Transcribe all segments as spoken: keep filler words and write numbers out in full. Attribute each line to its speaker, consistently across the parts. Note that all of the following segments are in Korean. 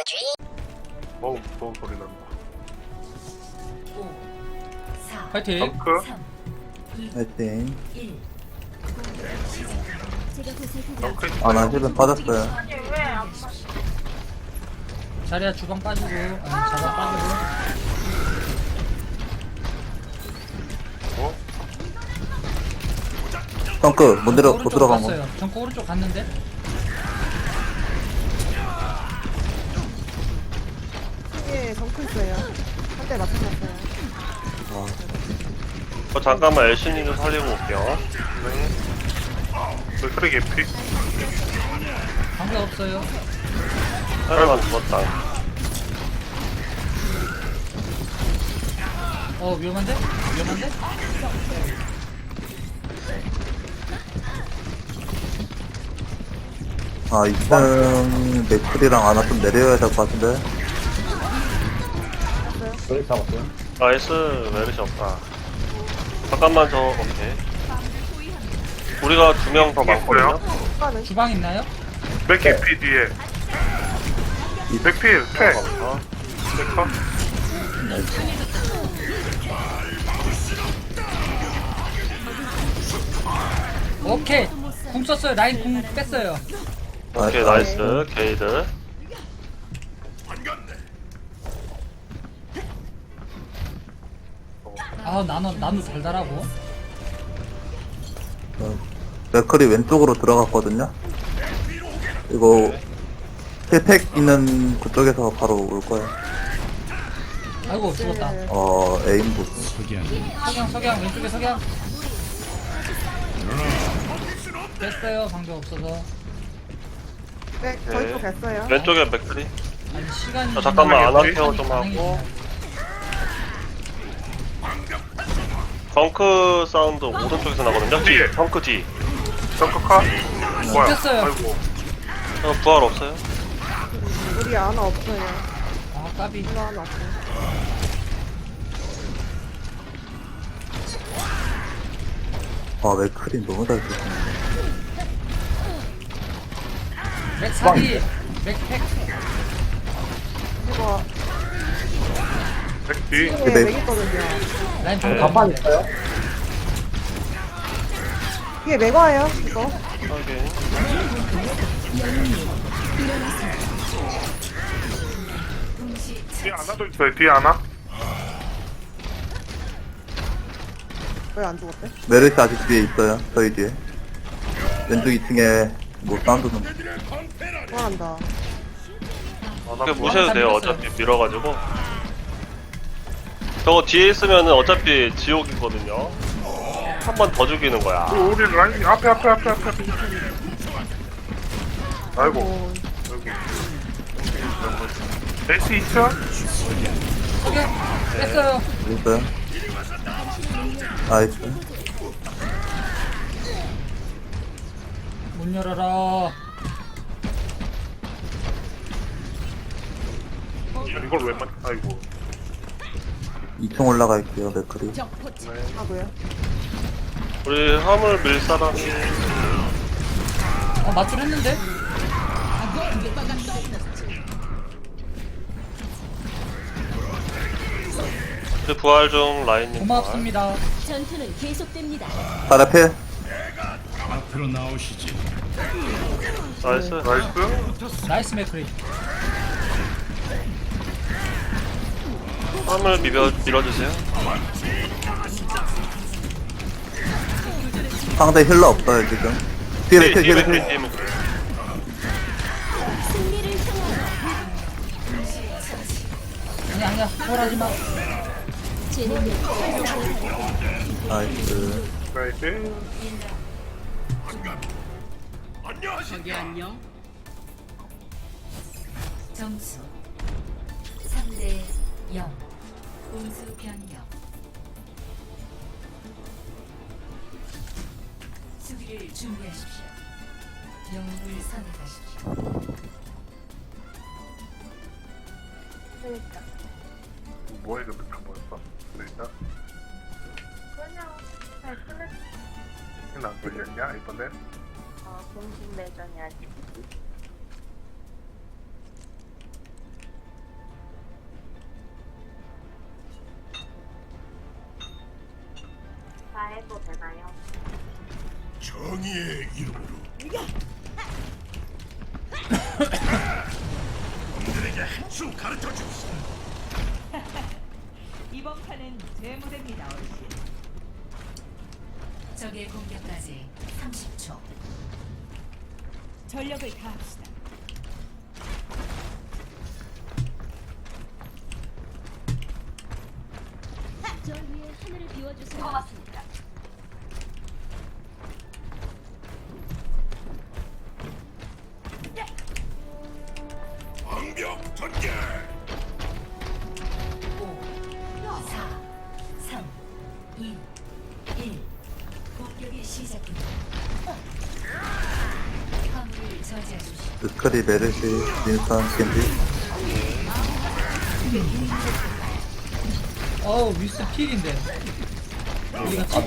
Speaker 1: 어우 무서운 소리 난다.
Speaker 2: 파이팅.
Speaker 1: 덩크
Speaker 3: 파이팅.
Speaker 1: 덩크
Speaker 3: 아, 나
Speaker 1: 있어요.
Speaker 3: 힐은 빠졌어요.
Speaker 2: 자리야 주방 빠지고, 아, 자방 빠지고.
Speaker 1: 어?
Speaker 3: 덩크, 못 내려, 못
Speaker 2: 오른쪽
Speaker 3: 들어간 거.
Speaker 2: 갔어요. 정코 오른쪽 갔는데.
Speaker 4: 예, 정크 있어요. 한 대 맞춰놨어요.
Speaker 3: 아,
Speaker 5: 어, 잠깐만 엘신이 좀 살리고 올게요.
Speaker 1: 네. 맥크리 개피.
Speaker 2: 방패 없어요.
Speaker 5: 하나만 죽었다.
Speaker 2: 어 위험한데? 위험한데?
Speaker 3: 아, 이 층 맥클이랑 아나 좀 내려야 될 것 같은데.
Speaker 5: 나이스 메르시 없다. 잠깐만 저 오케이. 우리가 두 명 더 많거든요.
Speaker 4: 추가는
Speaker 2: 주방 있나요?
Speaker 1: 맥 개피 뒤에. 맥필 패.
Speaker 5: 어,
Speaker 1: 맥커.
Speaker 2: 오케이. 궁 썼어요. 라인 궁 뺐어요.
Speaker 5: 오케이 나이스 게이드.
Speaker 2: 아 나노 나노 달달하고.
Speaker 3: 어, 맥클이 왼쪽으로 들어갔거든요. 이거, 힐팩 있는 그쪽에서 바로 올 거예요.
Speaker 2: 아이고 죽었다.
Speaker 3: 어, 에임 보고.
Speaker 2: 석양 석양 왼쪽에 석양. 뺐어요. 방패 없어서.
Speaker 4: 네, 저희 쪽 됐어요.
Speaker 5: 왼쪽에 맥크리.
Speaker 2: 아니 시간이.
Speaker 5: 저 잠깐만
Speaker 1: 안
Speaker 5: 아나
Speaker 1: 할게요,
Speaker 5: 케어 좀 하고. 덩크 사운드 오른쪽에서 나거든요. 뒤
Speaker 1: 뒤에.
Speaker 5: 덩크 뒤.
Speaker 1: 덩크 카. 뭐야?
Speaker 2: 뺐어요.
Speaker 1: 아이고.
Speaker 5: 어, 부활 없어요?
Speaker 4: 우리 아나 없어요.
Speaker 2: 아 까비.
Speaker 4: 이거 하나 없어요.
Speaker 3: 아, 맥클이 너무 잘 쓰시네.
Speaker 2: 맥 사기. 맥팩.
Speaker 4: 이거
Speaker 1: 맥 뒤.
Speaker 4: 층에
Speaker 3: 네.
Speaker 4: 맥 있거든요.
Speaker 2: 라인
Speaker 5: 네.
Speaker 2: 방패 있어요?
Speaker 4: 뒤에 맥 와요, 이거.
Speaker 5: 오케이.
Speaker 1: 뒤에 하나도 있어요. 뒤에 하나.
Speaker 4: 왜 안 죽었대?
Speaker 3: 메르시 아직 뒤에 있어요. 저희 뒤에. 왼쪽 이 층에 뭐 사운드는.
Speaker 4: 좋아한다.
Speaker 5: 그냥 무시해도 돼요. 어차피 밀어가지고. 저거 뒤에 있으면은 어차피 지옥이거든요. 한 번 더 죽이는 거야.
Speaker 1: 오, 우리 라인 앞에 앞에 앞에 앞에. 앞에. 아이고.
Speaker 4: 어,
Speaker 1: 아이고. 에이스 있죠?
Speaker 2: 석양. 뺐어요.
Speaker 3: 있어요? 나이스.
Speaker 2: 문 열어라.
Speaker 1: 이걸 왜 맞? 아이고.
Speaker 3: 이 층 올라갈게요, 맥클이.
Speaker 4: 하고요.
Speaker 5: 우리 화물 밀 사람이
Speaker 2: 어 맞출 했는데?
Speaker 5: 그 부활 중 라인님 부활.
Speaker 2: 고맙습니다.
Speaker 6: 전투는 계속됩니다.
Speaker 3: 바로 필.
Speaker 7: 앞으로 나오시지.
Speaker 5: 나이스.
Speaker 1: 나이스.
Speaker 2: 나이스 맥크리.
Speaker 5: 화물 밀어, 밀어주세요.
Speaker 3: 상대 힐러 없어요, 지금. 뒤에 맥클, 뒤에 맥클.
Speaker 5: 뒤에 맥크리.
Speaker 6: 승리를 향하여
Speaker 2: 아니 아니야. 홀하지 마.
Speaker 6: 제 능력
Speaker 3: 나이스.
Speaker 1: 나이스.
Speaker 8: 점수 삼 대 영. 공수 변경. 수비를 준비하십시오. 영웅을 선택하십시오.
Speaker 1: 뭐해 그 맥카 뭐였어? 그러니까.
Speaker 9: 그냥 잘 끝냈어.
Speaker 1: 안 걸렸냐 이번엔?
Speaker 9: 어, 공식 매장이 아직.
Speaker 7: 정의의 이름으로 놈들에게 한수 가르쳐 주시오.
Speaker 8: 이번 판은 제 무대입니다, 어르신. 적의 공격까지 삼십 초. 전력을 다합시다.
Speaker 6: 저 위에 하늘을 비워주세요. 고맙습니다.
Speaker 7: 방벽 전개.
Speaker 8: 오, 사, 삼, 이, 일. 공격이 시작됩니다. 화물을 저지하십시오.
Speaker 3: 스크리 메르시 윈스턴 겐지.
Speaker 2: 어우 위스 필인데 어디 갔지?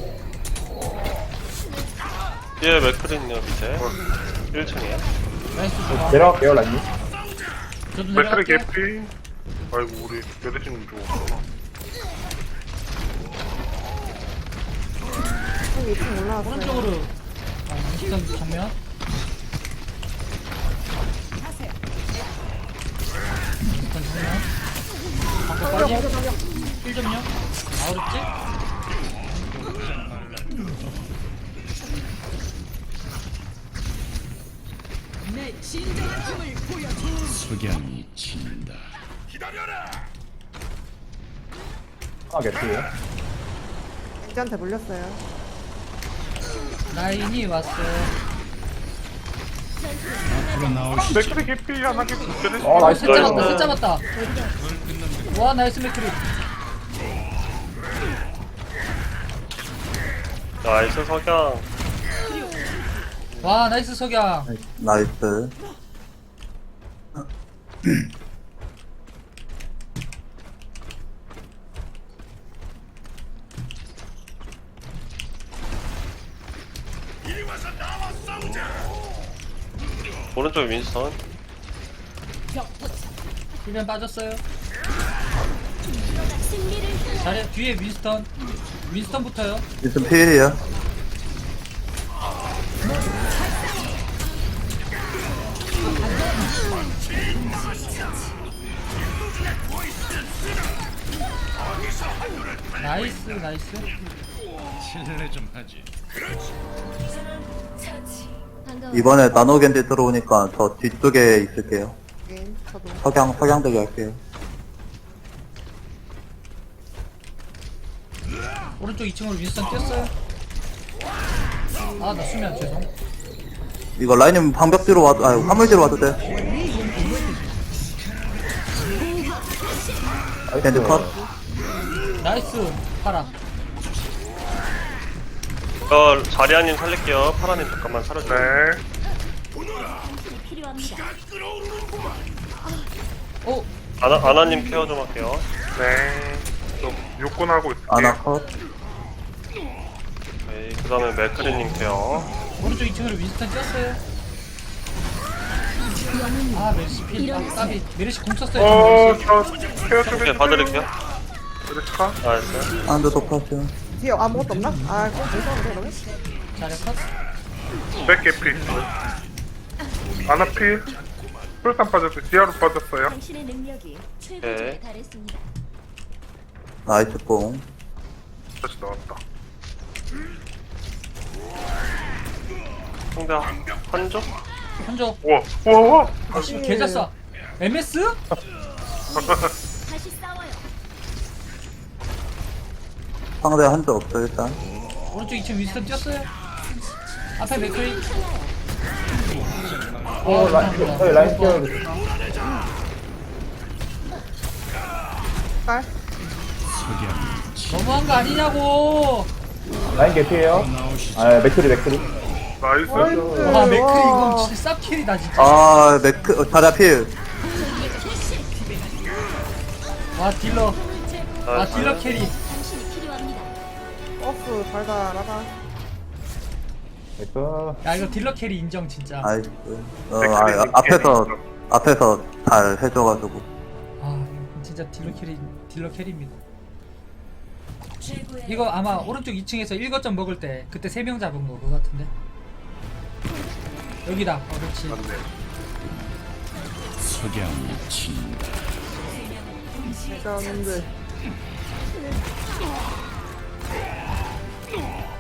Speaker 5: 뒤에 맥크린요 밑에 일 층이야.
Speaker 2: 나이스 좋아.
Speaker 10: 내려갈게요, 라인님.
Speaker 2: 저도
Speaker 1: 맥크리
Speaker 2: 내려갈게요.
Speaker 1: 개피. 아이고 우리 메르시는 좋았구나.
Speaker 4: 형 이 층 올라왔어요.
Speaker 2: 오른쪽으로 아, 윈스턴 정면. 윈스턴 정면. 방금 빠짐. 힐 좀요. 아 어렵지?
Speaker 7: 석양이 친다.
Speaker 10: 아, 개피에요.
Speaker 4: 겐지한테 물렸어요.
Speaker 2: 라인이 왔어.
Speaker 7: 앞으로 나오시죠.
Speaker 1: 맥크리 개피 하나 개피. 메르시.
Speaker 10: 어, 나이스.
Speaker 2: 셋 잡았다 셋 잡았다. 와 나이스 맥크리.
Speaker 5: 나이스 석양.
Speaker 2: 와 나이스 석양.
Speaker 3: 나이스.
Speaker 5: 오른쪽에 윈스턴.
Speaker 2: 힐면 빠졌어요.
Speaker 6: 승리를 향해
Speaker 2: 자리 뒤에 윈스턴. 윈스턴부터요.
Speaker 3: 윈스턴 필이에요.
Speaker 2: 나이스 나이스.
Speaker 7: 실례 좀 하지.
Speaker 8: 처치.
Speaker 6: 반가워.
Speaker 3: 이번에 나노 겐지 들어오니까 저 뒤쪽에 있을게요.
Speaker 4: 네, 저도.
Speaker 3: 석양 석양대기 할게요.
Speaker 2: 오른쪽 이 층으로 윈스턴 뛰었어요. 아 나 수면 죄송.
Speaker 3: 이거 라인님 방벽 뒤로 와도 아 화물 뒤로 와도 돼. 겐지 컷.
Speaker 2: 나이스 파라.
Speaker 5: 저 자리아님 살릴게요. 파라님 잠깐만 살려주세요.
Speaker 1: 네.
Speaker 6: 당신이 필요합니다.
Speaker 2: 오
Speaker 5: 아나, 아나님 케어 좀 할게요.
Speaker 1: 네. 저 육군 하고 있을게요.
Speaker 3: 아나 컷.
Speaker 5: 네, 그 다음에 맥크린님 케어.
Speaker 2: 오른쪽 이 층으로 윈스턴 뛰었어요. 아 메르시 필. 아 까비. 메르시 공 썼어요.
Speaker 1: 어,
Speaker 2: 지금 메르시.
Speaker 1: 저 케어 좀
Speaker 5: 오케이,
Speaker 1: 해주세요.
Speaker 5: 봐드릴게요.
Speaker 1: 메르시 카.
Speaker 5: 나이스.
Speaker 3: 안드 독하죠.
Speaker 4: 뒤에 아무것도 없나? 아, 그럼 죄송한데, 그러면?
Speaker 2: 자리 컷.
Speaker 1: 맥 개피. 아나 필. 풀산 빠졌어요. 지하로 빠졌어요.
Speaker 6: 당신의 능력이 최고조에
Speaker 5: 네.
Speaker 6: 달했습니다.
Speaker 3: 나이스 뽕.
Speaker 1: 다시 나왔다.
Speaker 5: 상대 한조?
Speaker 2: 한조.
Speaker 1: 우와, 우와, 우와.
Speaker 2: 아씨 개잘싸. 엠에스?
Speaker 6: 다시 싸워요.
Speaker 3: 상대 한적 없어 일단.
Speaker 2: 오른쪽 이 층 윈스턴 뛰었어요. 앞에 맥크리.
Speaker 10: 어, 라인, 저희 라인 케어.
Speaker 4: 깔?
Speaker 2: 너무한 거 아니냐고.
Speaker 10: 라인 개피에요. 아, 맥크리, 맥크리.
Speaker 1: 나이스.
Speaker 2: 와 맥크리
Speaker 4: 와.
Speaker 2: 이건 진짜 쌉킬이다 진짜.
Speaker 3: 아 맥크 어, 자리아 필.
Speaker 2: 와 딜러. 아
Speaker 5: 나이스.
Speaker 2: 딜러 캐리.
Speaker 6: 당신이 필요합니다.
Speaker 4: 버스 달달하다.
Speaker 10: 맥크.
Speaker 2: 야 이거 딜러 캐리 인정 진짜.
Speaker 3: 나이스. 어 아, 앞에서 앞에서 잘 해줘가지고.
Speaker 2: 아 진짜 딜러 캐리 딜러 캐리입니다.
Speaker 8: 최고의
Speaker 2: 이거 아마 오른쪽 이 층에서 일 거점 먹을 때 그때 세 명 잡은 거 그거 같은데. 여기다. 어, 그렇지.
Speaker 1: 맞네.
Speaker 7: 석양이 친다.
Speaker 4: 레전드.